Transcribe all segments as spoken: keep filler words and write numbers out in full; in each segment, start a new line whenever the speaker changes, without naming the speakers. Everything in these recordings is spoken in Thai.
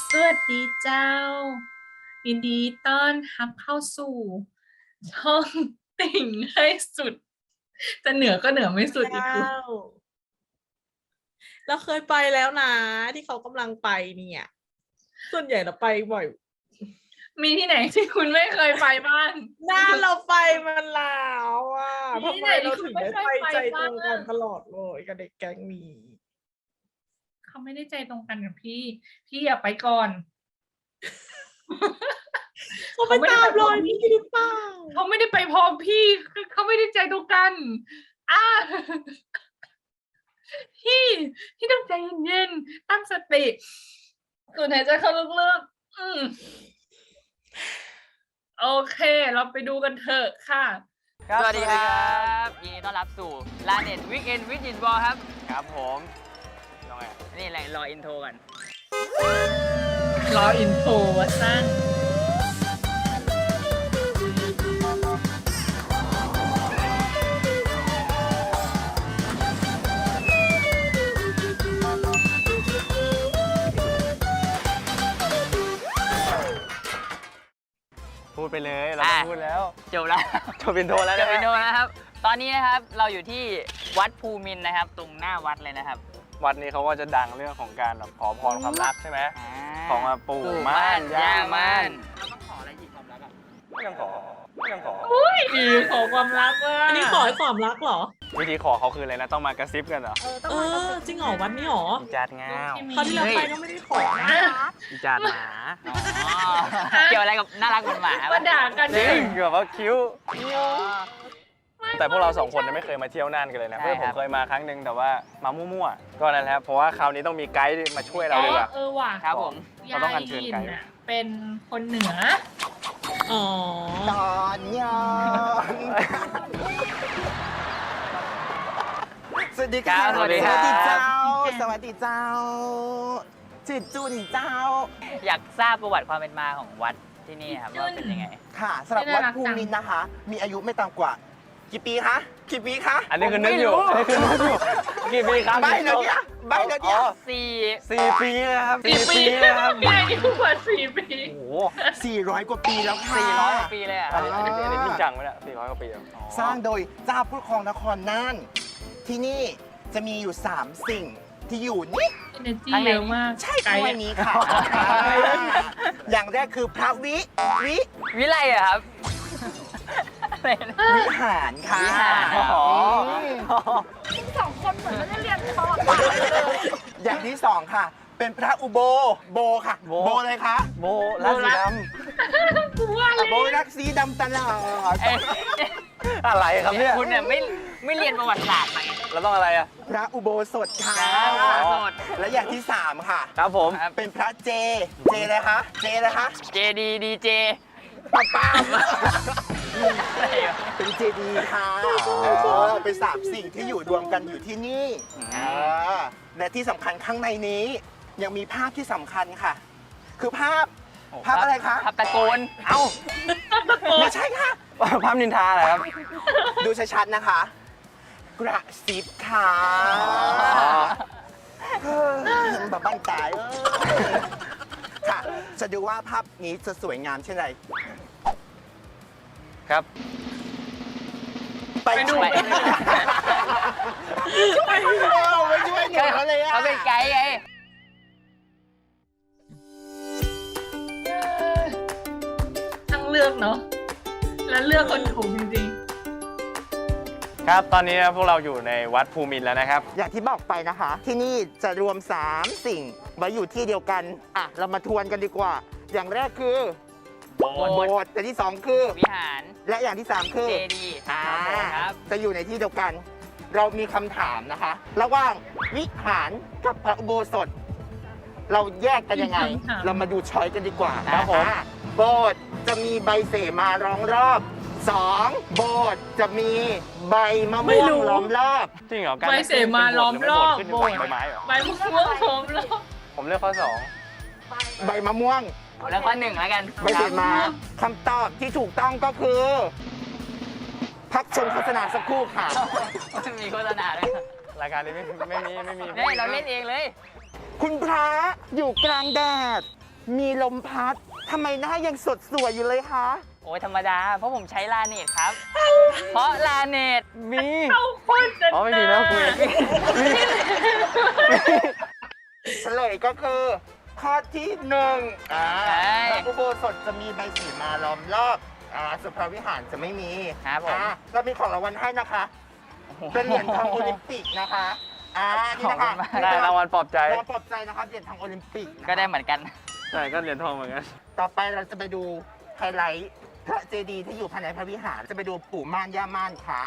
สวัสดีเจ้ายินดีต้อนรับเข้าสู่ช่องติ่งให้สุดจะเหนือก็เหนือไม่สุดอีกคือ
เราเคยไปแล้วนะที่เขากำลังไปเนี่ย ส่วนใหญ่เราไปบ่อย
มีที่ไหนที่คุณไม่เคยไปบ้าง
หน้าเราไปมันแล้วอ่ะ
มี
ทำ
ที่
ไม
ไหน
เรา
ที่คุ
ถึ
ณ
ง
ไม่
ได้
เคย
ไป
ไป
ใจต
บ้า
รง งกันตลอดเลยกับเด็กแก๊งนี้
เขาไม่ได้ใจตรงกันกับพี่ พี่อย่าไปก่อน
เขาไปตามรอยพี่หรือเปล่า
เขาไม่ได้ไปพร้อมพี่เขาไม่ได้ใจตรงกันอ่าพี่พี่ต้องใจเย็นๆตั้งสติสูดหายใจเข้าลึกๆอืมโอเค เราไปดูกันเถอะค่ะ
สวัสดีครับยินดีต้อนรับสู่ลาเน็ตวิกเอนวิจิตบอลครับ
ครับผมยังไง
นี่แหละรออินโทรก่อน
รออินโฟว่าสั้น
พูดไปเลยเรา
อ่ะ
พูดแล้ว
จบแล้ว
จบเป็นโทรแล้ว
จ
นะ
บอินโทรนะครับ ตอนนี้นะครับเราอยู่ที่วัดภูมินทร์นะครับ ตรงหน้าวัดเลยนะครับ
วัดนี้เขาก็จะดังเรื่องของการแบบขอพรความรักใช่ไหม
อ่า
ของมาปู่
ปู่
ม่านย่าม่าน
เราต้องขออะไรอีกความรักอ่ะ
ไม่ต้องขอไม่ต้องขอ
อุ้ยดีขอความรักว่า
อันนี้ขอให้ความรักเหรอ
วิธีขอเขาคืออะไรนะต้องมากระซิบกันเหรอ
เออ จริงเหรอวันนี้เหรอ
อีจาดงาว
คราวที่เราไปก็ไม่ได้ขอนะ
อีจาดหมา
อ๋อเกี่ยวอะไรกับน่ารักเหมือนหมา
มาด่ากัน
จริงเกือบว่าคิ้ว แต่พวกเราสองคนเนี่ยไม่เคยมาเที่ยวน่านกันเลยนะเพื่อนผมเคยมาครั้งหนึ่งแต่ว่ามามั่วๆก็นั่นแหละเพราะว่าคราวนี้ต้องมีไกด์มาช่วยเราเลยว่ะ
เออว่ะ
ครับผม
เราต้องอัญเชิญไกด์
ยายหยินน่ะเป็นคนเหนือ
อ๋อ
ตอนยอนสวัสดีค่ะ
สวัสดี
ส
ครับ
วัสดีเจ้า สวัสดีเจ้าจิตจุนเจ้า
อยากทราบประวัติความเป็นมาของวัดที่นี่ครับว่าเป็นยังไง
ค่ะสำหรับวัดภูมินทร์นะคะ มีอายุไม่ต่ำกว่า กี่ปีคะ กี่ปีคะ
อันนี้คือนึกอยู่อันนี้คือนึกอยู่กี่ปีครับ
ใบเดี๋ยวนี้ใบเดี๋ยวนี้
อ๋อ
สี่
สี่ปีนะครับ
สี่ปี
นะครับ
พี่อายุกว่าสี่ปี
โอ้โห
สี่ร้อยกว่าปีแล้วค่ะ
สี่ร้อยกว่าปีเลยอ่ะ
อันนี้อันนี้อันนี้จริงจังไหมเนี่ยสี่ร้อยกว่าปีแล้ว
สร้างโดยเจ้าผู้ครองนครน่าน ที่นี่จะมีอยู่สามสิ่งที่อยู่นี่
เอเนจีเยอะมาก
ใช่
ไก
ข้าง
ด์
ในนี้ค่ะ อย่างแรกคือพระวิ วิ
วิไลอะครับอะไรนะ
วิหารค่ะ
วิหาร
อ๋อ
สองคนเหมือนไม่ได้เรียนพอ
อย่างที่สองค่ะ เป็นพระอุโบ โบค่ะ
โบ
โบเลยคะ
โบราศีด
กูว่าเลย
โบรักสีดำตลอด
เอ๊ะ
ำอะไรครับเนี่ย
คุณเนี่ยไม่ไม่เรียนประวัติศาสตร์มาไง
เราต้องอะไรอ่ะ
พระอุโบสถค่ะ
พระอุโบสถ
และอย่างที่สามค่ะ
ครับผม
ครับ
เป็นพระเจ เจเลยคะ เจเลยคะ
เจดีดีเจ
ป้าป้า
อะไรวะ
เป็นเจดีย์ค่ะเออเป็นสามสิ่งที่อยู่รวมกันอยู่ที่นี่เออและที่สำคัญข้างในนี้ ยังมีภาพที่สำคัญค่ะ คือภาพ ภาพอะไรคะ
ภาพตะโกน
เอ้าไม่ใช่ค่ะ
ภาพนินทาเหรอครับ
ดูชัดๆนะคะ กระซิบค่ะเฮ้ยแบบบ้านตายเอ้ยค่ะ จะดูว่าภาพนี้จะสวยงามเช่นไร
ครับ
ไปดู
ไป
ช่วยเขาไม่ช่วยหนูเขาเลยอะ
เขาเป็นไกด์ไง
ทั้งเลือกเนาะและเลือกคนถูกจริง
ครับ ตอนนี้พวกเราอยู่ในวัดภูมินทร์แล้วนะครับ
อย่างที่บอกไปนะคะ ที่นี่จะรวม สาม สิ่งไว้อยู่ที่เดียวกัน อ่ะ เรามาทวนกันดีกว่า อย่างแรกคือ
โบสถ์
โบสถ์อย่างที่สองคือ
วิหาร
และอย่างที่สามคือ
เจดีย์
อ่า
ครับ
จะอยู่ในที่เดียวกัน เรามีคำถามนะคะ ระหว่างวิหารกับพระอุโบสถ เราแยกกันยังไง เรามาดูช้อยกันดีกว่า
ครับผม
อ่าโบสถ์จะมีใบเสมาล้อมรอบสองโบสถ์จะมีใบมะม่วงล้อมรอบ
จริงเหรอ
ๆ
การ
ใบเสมาล้อมรอบ
ขึ้น
โบ
เป็น
สถ์
ใบไม้เหรอ
ใบมะม่วงล้อมรอบ
ผมเลือกข้อสอง
ใบมะม่วง
แล้วข้อหนึ่งแล้วกัน
ใบเสมาคำตอบที่ถูกต้องก็คือ พักชมโฆษณาสักครู่ค่ะ
มีโฆษณาด้วย
รายการนี้ไม่ไม่มีไม่มี
นี่เราเล่นเองเลย
คุณพระอยู่กลางแดดมีลมพัดทำไมหน้ายังสดสวยอยู่เลยคะ
โอ้ยธรรมดา เพราะผมใช้ลาเนตครับ เพราะลาเนต
มี
เขาคนจะ
อ๋อไม่มีนะคุย
เฉลยก็คือ ข้อที่หนึ่งอ่า
ใช่
พระอุโบสถจะมีใบสีมาล้อมรอบอ่าสุภาวิหารจะไม่มี
ครับผม
อ่าเรามีของรางวัลให้นะคะ เป็นเหรียญทองโอลิมปิกนะคะอ่านี่นะคะ
ขอบคุณมาก
ได้รางวัลปลอบใจ
รางวัลปลอบใจนะคะเหรียญทองโอลิมปิกนะคะ
ก็ได้เหมือนกัน
ใช่ก็เหรียญทองเหมือนกัน
ต่อไปเราจะไปดูไฮไลท์พระเจดีย์ที่อยู่ภายในพระวิหารจะไปดูปู่ม่านย่าม่านค่ะ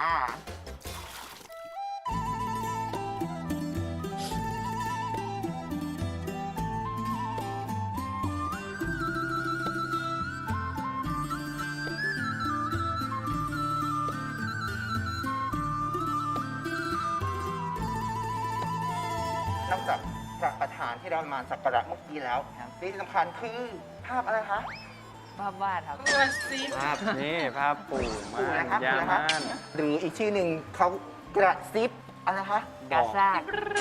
นอกจากพระประธานที่เรามาสักการะเมื่อกี้แล้ว
ครับ
ที่สำคัญคือภาพอะไรคะ
ภาพวาดครับ
ตัวซี
ภาพนี่ภาพปู่
ปู่
ม่า
นะ
น
ครับ
ยา
ปู่นะครับ
ม่าน
หรืออีกชื่อหนึ่งเขากระซิบอะไรนะคะ
กาซ่าก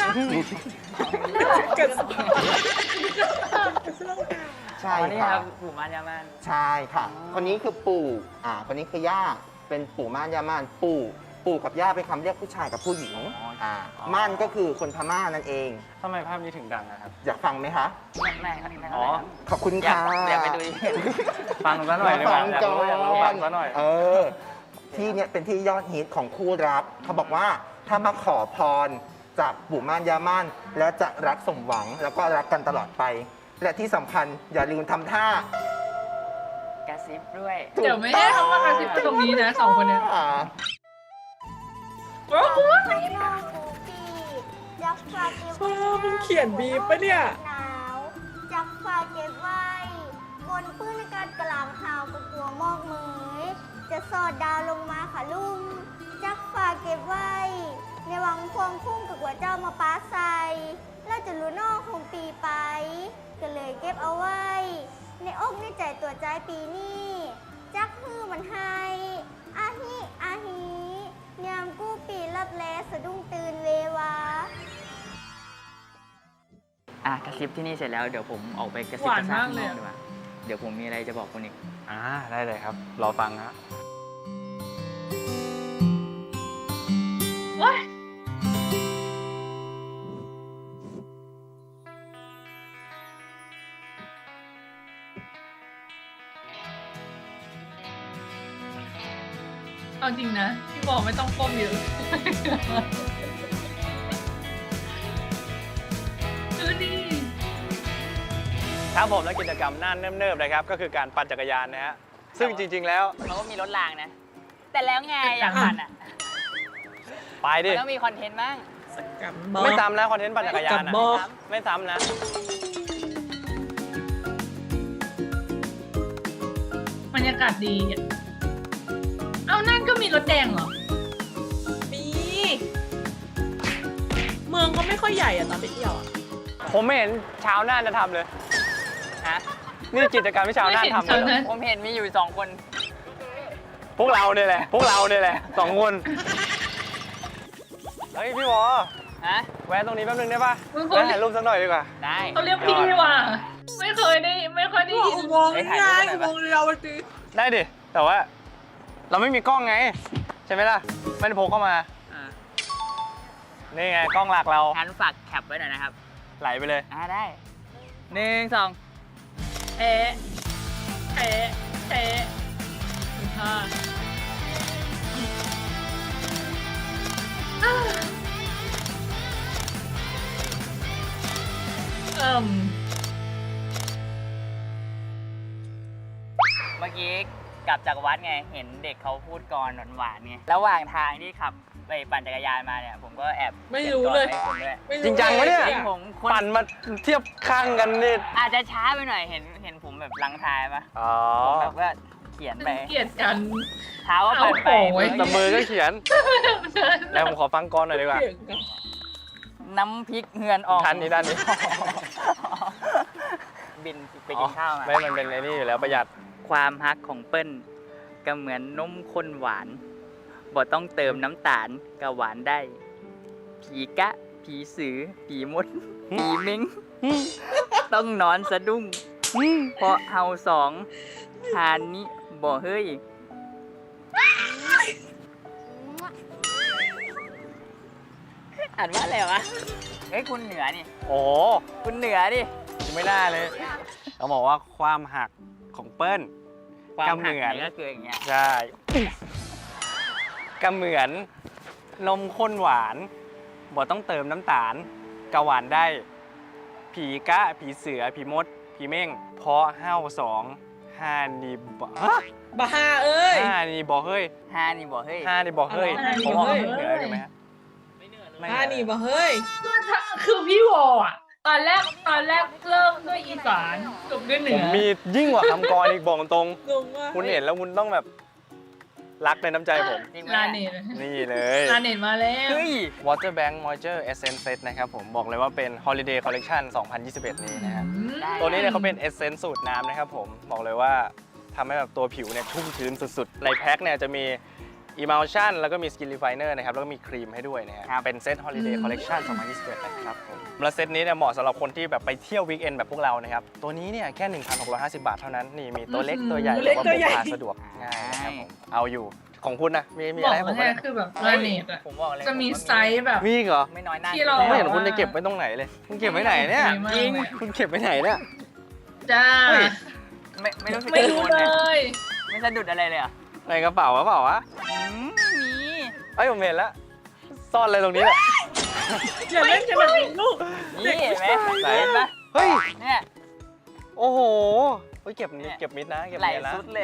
เกิด
ใช่
อ๋อนี่
ค่ะ
ครับปู่มานยามาน
ใช่ค่ะ คนนี้คือปู่อ่าคนนี้คือย่าเป็นปู่ม่านย่าม่านปู่ปู่กับย่าเป็นคำเรียกผู้ชายกับผู้หญิงอ่าม่านก็คือคนพม่านั่นเอง
ทำไมภาพนี้ถึงดังอะครับ
อยากฟังไหมคะ
ไม่ไม่ครับไม่
อ๋อ
ครับ
ขอบคุณ
อยาก
ค่ะ
อยากไปดูอีก
ฟังซะหน่อยดีกว่าอยากรู้อยากรู้ฟังซะหน่อย
เออ ที่เนี่ยเป็นที่ยอดฮิตของคู่รัก เขาบอกว่าถ้ามาขอพรจากปู่ม่านย่าม่านแล้วจะรักสมหวังแล้วก็รักกันตลอดไป และที่สำคัญอย่าลืมทำท่าก
ระซิบด้วย
เดี๋ยวไม่ได้เขามากระซิบตรงนี้นะสองคนเนี้ย
อ่า
โอ้โห
จักฝากเก็บ
ชอบมันเขียนบีบปะเนี่ย
หนาวจักฝากเก็บไว้ บนพื้นอากาศกลางหาวกับตัวหมอกเหมยจะสอดดาวลงมาค่ะลุงจักฝากเก็บไว้ ในวังพวงพุ่งกับหัวเจ้ามาป้าใส่แล้วจะรู้นอกคงปีไป ก็เลยเก็บเอาไว้ ในอกในใจตัวใจปีนี้ จักฮือมันให้อาฮิอาฮิยามกู้ปีรับแลสะดุ้งตื่นเววา
อ่ะกระซิบที่นี่เสร็จแล้วเดี๋ยวผมออกไปกระซิบ
หวาน
กระซาบ
มาก
ข้าง
เล
น
ย
อกดีกว่าเดี๋ยวผมมีอะไรจะบอกคุณอีก
อ่าได้เลยครับ รอฟังฮะ
โอ๊ยเอาจริงนะ พี่บอกไม่ต้องก้มเยอะดูดิ
ครับผมและกิจกรรมน่านเนิบๆนะครับ ก็คือการปั่นจักรยานนะฮะ ซึ่งจริง ๆ แล้ว
เขาก็มีรถรางนะ แต่แล้วไงอยากปั่นอ่ะ
ไปดิ
มันต้องมีคอนเทนต์บ้าง
กับบอก
ไม่ซ้ำนะคอนเทนต์ปั่นจักรยาน
กับ
อะ
บอก
ไม่ซ้ำนะ
บรรยากาศดีอะเอานั่นก็มีรถแดงเหรอ
มีเมืองก็ไม่ค่อยใหญ่อะตอนไปเที่ยวอะ
ผมไม่เห็นชาวน่านจะทำเลย
ฮะ
นี่กิจกรรมที่ชาวน่านทำเลยเหรอ
ผมเห็นมีอยู่สองคน
พวกเราเนี่ยแหละ พวกเราเนี่ยแหละสองคน เฮ้ยพี่วอ
ฮะ
แวะตรงนี้แป๊บนึงได้ปะ
มึงค
แวะ
น
ถ่ายรูปสักหน่อยดีกว่า
ได้
เขาเรียกพี่ว่ะ ไม่เคยได้ ไม่ค่อยได้ยิน
อุโมงค์นี่ไงอุโมงค์เดียวจริง
ได้ดิ แต่ว่า เราไม่มีกล้องไง ใช่ไหมล่ะ ไม่ได้พกเข้ามา
อ่า
นี่ไงกล้องหลักเรา
งั้นฝากแคปไว้หน่อยนะครับ
ไหลไปเลย
อ่าได้หนึ่งสอง
เอ๊ะเอ๊ะเอ๊ะห้าอ่าเอิ่ม
เมื่อกี้กลับจากวัดไง เห็นเด็กเขาพูดกรหวานๆไงระหว่างทางที่ขับไปปั่นจักรยานมาเนี่ย ผมก็แอบ
ไม่รู้เลย
ขีนกรให้คุณด้วย
ไม่
จริงจังวะเนี่ย
จริงผมคน
ปั่นมาเทียบข้างกันนี่
อาจจะช้าไปหน่อยเห็นเห็นผมแบบลังท้ายปะ
อ๋อ
ผมแบบว่าเขียนไป
เกลียดกัน
เท้าก็ปั่นไป
เอาโอ้ย
แต่มือก็เขียน แล้วผมขอฟังก่อนหน่อยดีกว่า
เถียงกัน
น้ำพริกเฮือนออก
ด้านนี้ด้านนี้
บินไปกินข้าวมา
ไม่มันเป็นไอ้นี่อยู่แล้วประหยัด
ความฮักของเปิ้ลก็เหมือนนมข้นหวานบ่ต้องเติมน้ำตาลก็หวานได้ ผีกะ ผีสือ ผีมด ผีเม้งต้องนอนสะดุ้งเพราะเฮาสองทานนี้บ่เฮ้ยอ่านว่าอะไรวะเฮ้ยคุณเหนือนี่
โอ้
คุณเหนือดิ
ยังไม่ได้เลยเขาบอกว่าความหักของเปิ้ล
ความ
ก็
หัก
เหมือน
ไหนก็คืออย่างเงี้ย
ใช่ก็เหมือนนมข้นหวานบ่ต้องเติมน้ำตาลกะหวานได้ ผีกะผีเสือผีมดผีเม่งเพราะห้าวสองห้านี่บ่ฮะ
บ้าเอ้ย
ห้านี่บ่เฮ้ย
ฮานี่บ่เฮ้ย
ห้านี่บ่เฮ้ย
ห้านี่
ผม
บ่
ว่า
เฮ้ย
เหนือถูกไหมฮะ
อ่านี่บ้าเฮ้ย
คือพี่วออ่ะ ตอนแรกตอนแรกเริ่มด้วยอีสานจบด้วยเหนื
ผ
อ
มมียิ่งกว่าคำกรอีกบอกตรง
งงมาก
คุณเห็นแล้วคุณต้องแบบรักในน้ำใจผม
จริงไหม
ลาเนต
นี่เลย
ลาเนตมาแล้ว
เฮ้ย
Water Bank Moisture Essence Set นะครับผมบอกเลยว่าเป็น Holiday Collection สองพันยี่สิบเอ็ด นี้นะฮะ
ได้
ตัวนี้เนี่ยเขาเป็น Essence สูตรน้ำนะครับผมบอกเลยว่าทำให้แบบตัวผิวเนี่ยชุ่มชื้นสุดๆ ในแพ็คเนี่ยจะมี Emulsion แล้วก็มี Skin Refiner นะครับแล้วก็มีครีมให้ด้วยนะฮะเป็นเซต Holiday Collection สองพันยี่สิบเอ็ด นะครับผมและเซตนี้เนี่ยเหมาะสำหรับคนที่แบบไปเที่ยววีคเอนด์แบบพวกเรานะครับตัวนี้เนี่ยแค่ หนึ่งพันหกร้อยห้าสิบ บาทเท่านั้นนี่มีตัวเล็กตัวใหญ่
ตัวเล็ก
แล้ว
ตั
ก็
ว
พ
ใหญ่
กพาสะดวกง่ายนะครับผมเอาอยู่ของคุณนะมีมี
บ
อะ
อ
ไร
ก
ให้ผ
ว่าม
ไหม
เนี่ยคือแบบลาเนตอ่ะ
ผมบอกเลย
จะมี
ผว่า
ไซส์แบบ
มีอีกเหรอ
ไม่น้อยหน้า
ที่เรา
ไม่เห็นคุณจะเก็บไว้ตรงไหนเลย คุณเก็บไว้ไหนเนี่ย
จริง
คุณเก็บไว้ไหนเนี่ย
จ้า
เฮ้ย
ไม่ไม่รู้สึก
ไม่รู้
กังว
เล
นะ
ย
ไม่สะดุดอะไรเลยเหรอ่ะ
ในกระเป๋าหรือเปล่าวะ
มี
เอ้ยผมเห็นแล้ว ซ่อนอะไรตรงนี้แหละ
อย่าเล่นกันแบบนี้ลูก
นี่เห็นไหม
ไหน
เห็นปะ
เฮ้ย
เนี่ย
โอ้โหเฮ้ยเก็บ
เนี่ย
เก็บมิดนะ เก็บ
ไหล
มิดนะ
สุดเลย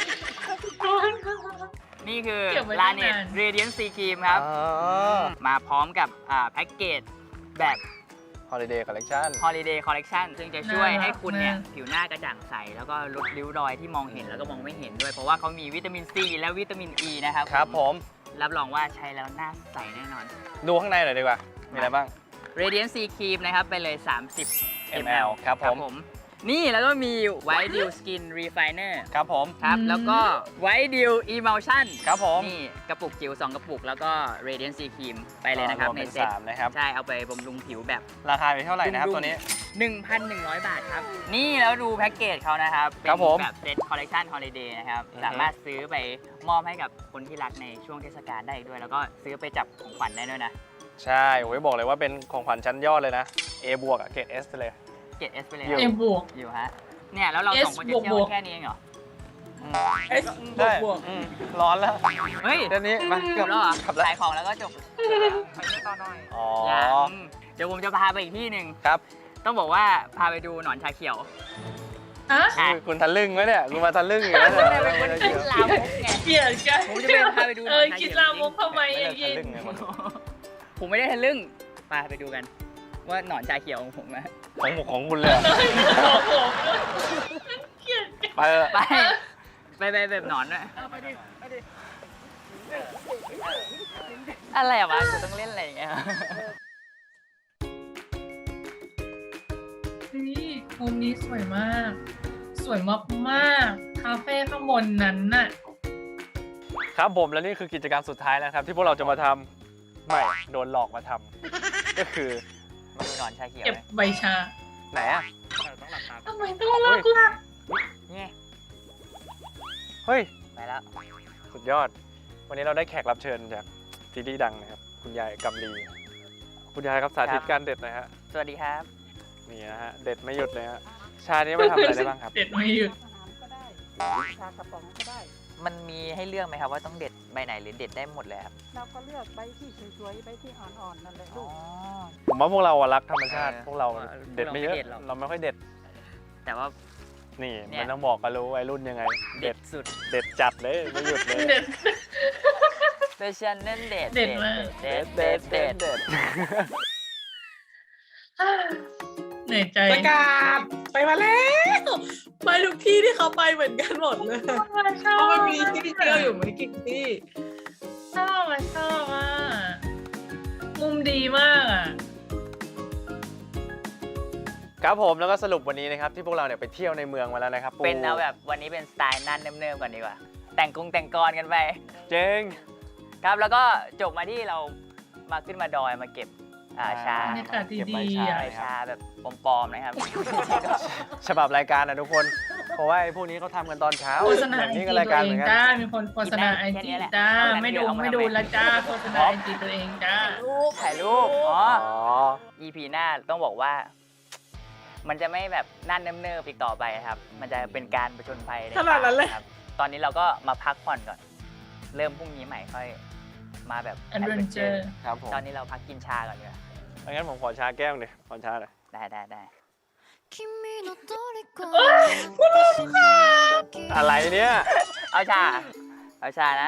นี่คือ
เก็บไว้
ลา
ตั้ง
เน็ต
นาน
เรเดียนซีครีมครับ
อ๋อ
มาพร้อมกับอ่าแพ็กเกจแบบ
Holiday Collection
Holiday Collection ซึ่งจะช่วย
น่ารัก
ให้คุณเนี่ย
มาก
ผิวหน้ากระจ่างใส แล้วก็ลดริ้วรอยที่มองเห็นแล้วก็มองไม่เห็นด้วย เพราะว่าเขามีวิตามินซีและวิตามินอ e ีนะครับ
ครับผม
รับรองว่าใช้แล้วหน้าใสแน่นอน
ดูข้างในหน่อยดีกว่า มีอะไรบ้าง
Radiant C Cream นะครับ ไปเลย สามสิบ
มล ครับผม
นี่แล้วก็มี White Dew Skin Refiner
ครับผม
ครับ แล้วก็ White Dew Emulsion
ครับผม
นี่กระปุกจิ๋วสองกระปุก แล้วก็ Radiant C Cream ไปเลยนะครับ
วม
ใน
เป็น
เซ็ต
สามนะครับ
ใช่ เอาไปบำรุงผิวแบบ
ราคาเป็นเท่าไหร่นะครับ
ดุ้งๆ
ตัวนี้
หนึ่งพันหนึ่งร้อย บาทครับ นี่แล้วดูแพ็กเกจเขานะครับ เป็น
ครับผม
แบบเซ็ตคอลเล t ชันฮอลิเดย์นะครับ
อือฮึ
สามารถซื้อไปมอบให้กับคนที่รักในช่วงเทศกาลได้อีกด้วย แล้วก็ซื้อไปจับของขวัญได้ด้วยนะ
ใช่โอ้ยบอกเลยว่าเป็นของขวัญชั้นยอดเลยนะ A บวกอะเกรด S เลย
เกรด S ไปเลย
อยู่
เอ็มบวก
อยู่ฮะ เนี่ยแล้วเรา
S
สองคนจะเที่ยว
บวกๆ
แค่นี้เองเหรอ
เอสบว
ใช่
กบวก
อืมร้อนแล้ว
เฮ้ย
เดี๋ยวนี้มา
จบแล้วเหรอ
ขับแล้ว
ขายของแล้วก็จบไปต่อหน่อย
อ๋อ
ยังเดี๋ยวผมจะพาไปอีกที่หนึ่ง
ครับ
ต้องบอกว่าพาไปดูหนอนชาเขียว
ฮะ
อ่ะ
คือคุณทะลึ่งไหมเนี่ยคุณมาทะลึ่งอยู่แล้ว
ไม่
เนี่ย
เป็นคนคิดลามกไง
เกลียดกัน
ผมจะไปพาไปดูหน
เอ
อน
อ
ชา
คิด
เขียว
ลามกทำไม
ไม่
อ
ได้
ย่าง
ทะ
งี้
ลึ่งไงคน
ผมไม่ได้ทะลึ่งไปไปดูกัน ว่าหนอนชาเขียวของผมอะ
ของหมกของคุณเลยเหรอ
บอกผมเกลียดกัน
ไปเถอะ
ไป ไปไปแบบหนอนด้วยอะไรอะวะกูต้องเล่นอะไรอย่างเงี้ย
นี่มุมนี้สวยมาก สวยมากๆคาเฟ่ข้างบนนั้นน่ะ
ครับผมและนี่คือกิจกรรมสุดท้ายแล้วครับ ที่พวกเราจะมาทำไม่โดนหลอกมาทำก็คือ
มาดูหนอนชาเขียว
เก็บ
ไหม
ใบชา
ไหนอะ
ทำไมต้องรักล่ะ
เนี่ย
เฮ้ย
ไปแล้ว
สุดยอด วันนี้เราได้แขกรับเชิญจากซีรีส์ดังนะครับ คุณยายกำลี คุณยายครับสาธิตการเด็ดหนะฮะ
สวัสดีครับ
นี่นะฮะ เด็ดไม่หยุดเลยฮะ ชานี้มาทำอะไรได้บ้างครับ
เด็ดไม่หยุด
ชากระป๋องก็ได้
มันมีให้เลือกไหมครับว่าต้องเด็ดใบไหนหรือเด็ดได้หมดเลยครับ
เราก็เลือกใบที่สวยๆ ใบที่อ่อนๆ นั่นแหละ
อ๋
ลู
อ
ก
ผมว่าพวกเราอะรักธรรมชาติ
เออ
พวกเรา
พวกเรา
เด็ดไม่เยอะ
ไม่เด็ดหรอก
เราไม่ค่อยเด็ด
แต่ว่า
นี่
เนี่ย
มันต้องบอกกันรู้วัยรุ่นยังไง
เด็ดสุด
เด็ดจัดเลยไม่หยุดเลย
เด็ด
เดชันนั่นเด็ด
เด็ดมาก
เด็ดเด็ดเด็ด
เด็ด
เหนื่อยใจ
ประกาศไปมาแล้วไปทุกที่ที่เขาไปเหมือนกันหมดเลย
ชอบ
เพราะมันมีที่เที่ยวอยู่ไม่กี่ที่
ชอบอ่ะชอบอ่ะมุมดีมากอ่ะ
ครับผมแล้วก็สรุปวันนี้นะครับที่พวกเราเนี่ยไปเที่ยวในเมืองมาแล้วนะครับ
เป็นเอาแบบวันนี้เป็นสไตล์นั่นเนิมๆก่อนดีกว่า แต่งกรุงแต่งกรกันไป
เจ๊ง
ครับแล้วก็จบมาที่เรามาขึ้นมาดอยมาเก็บอ่าชา
บรรยากาศ
เก็บ
ดี
ใบ
ๆ
ชา
อ่ะ
ใบชาแบบปลอมๆนะครับ
ฉบับรายการนะทุกคน เพราะว่าไอ้พวกนี้เขาทำกันตอนเช้า
โฆษณา
แบบ
ไอ
นี้
จี
ก็
ตั
รายว การ
เอ
เหมื
ง
อนกัน
จ้ามีคนโฆษณาไอ
แค่
จี
นี้แหละ
จ้า
เอางั้น
ไม่ดู
เดี๋ยวเอามา
ไม่ดู
ทำไม
และจ้าโฆษณาไอจีตัวเองจ้า
รูป
ถ่ายรูป อ๋อ
อ๋อ
อี พี หน้าต้องบอกว่า มันจะไม่แบบนั่นเนิบๆอีกต่อไปนะครับ มันจะเป็นการประชนภัย
ขนาดนั้นเลย
ครับ ตอนนี้เราก็มาพักผ่อนก่อน เริ่มพรุ่งนี้ใหม่ค่อยมาแบบ
Adventure
ครับผม
ตอนนี้เราพักกินชาก่อนดีกว่า
งั้นผมขอชาแก้วหน่อยขอชาหน่อย
ได้ได้ได้
อะไรเนี่ย
เอาชา เอาชานะ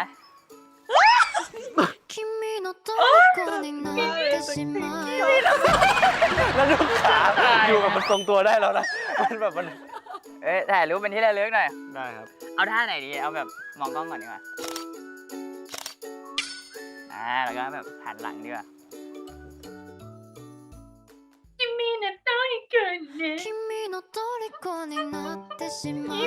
แล้วลูกขาอยู่กับมันทรงตัวได้แล้วนะ มันแบบมัน
เอ้ยถ่ายรูปเป็นที่ระลึกหน่อย
ได้ครับ
เอาท่าไหนดี เอาแบบมองกล้องก่อนดีกว่า อ่า แล้วก็แบบหันหลังดีกว่า
คิมินะต้อยเกินเนี่ย
君の虜になってしまう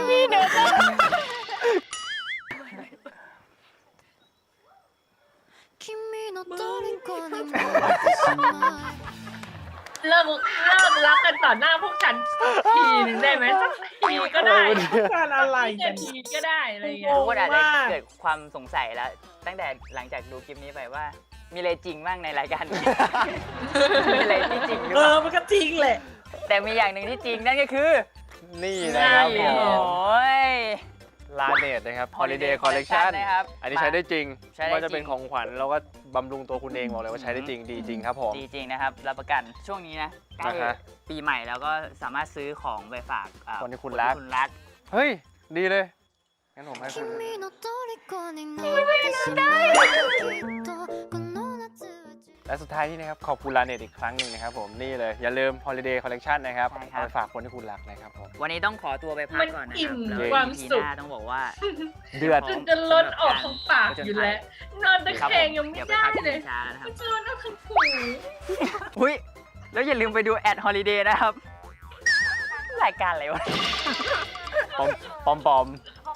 君の虜になってしまう
เลิกเลิกรักกันต่อหน้าพวกฉันสักทีหนึ่งได้ไหมสักทีก็ได้
การอะไรกั
นาน ทีก็ได้อะไรอย่าง
โอ้
เงี้ย
ทุกคนอาจจะ
มาก
เกิดความสงสัยแล้ว ตั้งแต่หลังจากดูคลิปนี้ไปว่า มีอะไรจริงบ้างในรายการนี้ มีอะไรที่จริงหรือ
เอ
เป
อ
ล่า
มันก็จริงแหละ
แต่มีอย่างหนึ่งที่จริงนั่นก็คือ
นี่นะครับผ
โอ้
ม
ย
ลาเนตนะครับ
Holiday
Holiday Collection
Collection นะครับ
อันนี้ใช้ได้จริง
ใช้ได้
ว่าจะเป็น
จริง
ของขวัญแล้วก็บำรุงตัวคุณเองบอกเลยว่าใช้ได้จริงดีจริงครับผม
ดีจริงนะครับ รับประกันช่วงนี้นะใกล้
นะฮะ
ปีใหม่แล้วก็สามารถซื้อของไปฝากอ่า
คนที่คุณรัก
คุณรัก
เฮ้ย ดีเลย งั้นผมให้คุณ
君の虜になってしまうきっとこの夏は
และสุดท้ายที่นะครับขอบคุณลาเนตอีกครั้งหนึ่งนะครับผมนี่เลยอย่าลืม Holiday Collection นะครับ
ใช่ครับ
เอาไปฝากคนที่คุณรักนะครับผม
วันนี้ต้องขอตัวไปพักก่อนนะ
มันอิ่
ครับ
ม
แล้ว
ความ
อี พี
สุข
หน้าต้องบอกว่า
เดือด
จนจะล้นออกทั้งปากอยู่แล้ว นอนตะ
ครับ
แค
ผ
ง
ม
ยังไม่
เดี๋ยวไป
ได้
พักกิ
เลย
นชาแล้วนะครับ
จะนอนเอาทั้งหู
อุ้ยแล้วอย่าลืมไปดูแอดฮอลิเดย์นะครับ รายการอะไรวะ
ปอมปอมปอม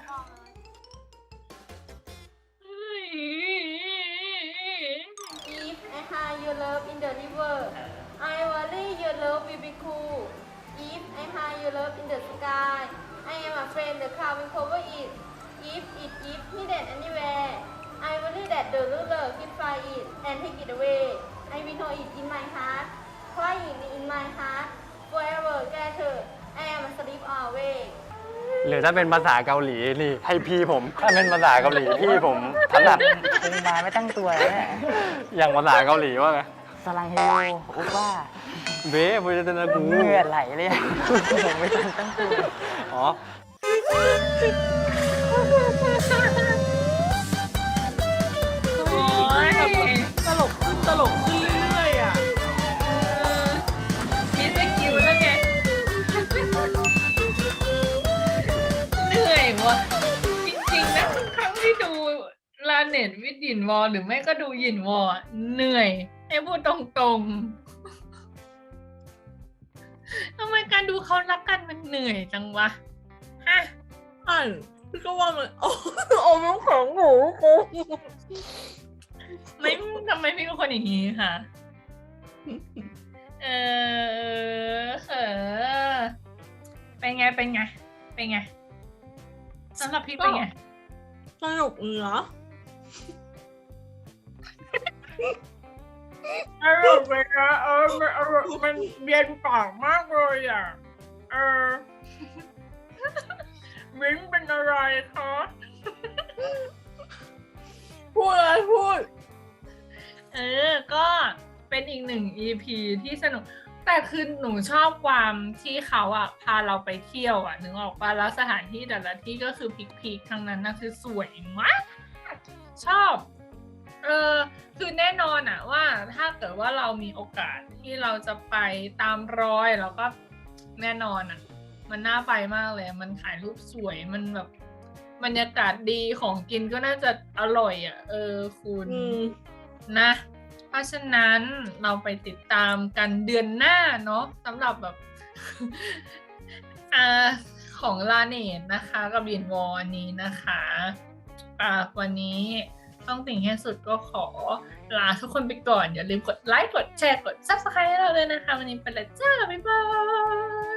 If I hide your love in the river I worry your love will be cool If I hide your love in the sky I am afraid the cloud will cover it If it is hidden anywhere I worry that the ruler will find it and take it away I will know it in my heart crying in my heart forever gathered I am asleep always
หรือถ้าเป็นภาษาเกาหลีนี่ให้พี่ผม ถ้าเป็นภาษาเกาหลีพี่ผมถนัด
คงมาไม่ตั้งตัวแล้วเนี่ย
อย่างภาษาเกาหลีว่าไง
สลังเฮโยอุว่า
เบ้พูดจะนะกู
เหงื่อไหลเลยอะผมไม่ทันตั้งตัว
อ๋อ
โอ้ย
ตลกขึ้นตลกขึ้นเรื่อยๆอ่ะ
มีสกิลแล้วไง เหนื่อยวะจริงๆนะทุกครั้งที่ดูลาเน็ตวิดหยินวอลหรือไม่ก็ดูหยินวอลอะเหนื่อย ให้พูดตรงๆทำไมการดูเขารักกันมันเหนื่อยจังวะฮะ
อ่านพี่ก็ว่ามันโอ้โอ้มันของหมูกู
ไม่ทำไมพี่เป็นคนอย่างนี้ค่ะ เออเออเป็นไง เป็นไง เป็นไงสำหรับพี่เป็นไง
สนุกเนาะ
อร่อยไปนะเออมันอร่อยมันเย็นปากมากเลยอ่ะ เออมิ้นเป็นอะไรคะ
พูดอะไรพูด
เออ ก็เป็นอีกหนึ่ง อี พี ที่สนุก แต่คือหนูชอบความที่เขาอ่ะ พาเราไปเที่ยวอ่ะ นึกออกปะแล้วสถานที่แต่ละที่ก็คือพิกๆทั้งนั้นนะคือสวยมาก ชอบ เออ คือแน่นอนอ่ะว่าถ้าเกิดว่าเรามีโอกาสที่เราจะไปตามรอยแล้วก็แน่นอนอ่ะ มันน่าไปมากเลย มันถ่ายรูปสวย มันแบบบรรยากาศดีของกินก็น่าจะอร่อยอ่ะ เออคุณ
อืม
นะ เพราะฉะนั้นเราไปติดตามกันเดือนหน้าเนาะสำหรับแบบ อ่าของลาเนตนะคะกับบินวอร์นี้นะคะอ่าวันนี้ต้องติ่งให้สุดก็ขอลาทุกคนไปก่อน อย่าลืมกดไลค์กดแชร์กด ซับสไครบ์ ให้เราด้วยนะคะ วันนี้ไปแล้วจ้า บ๊ายบาย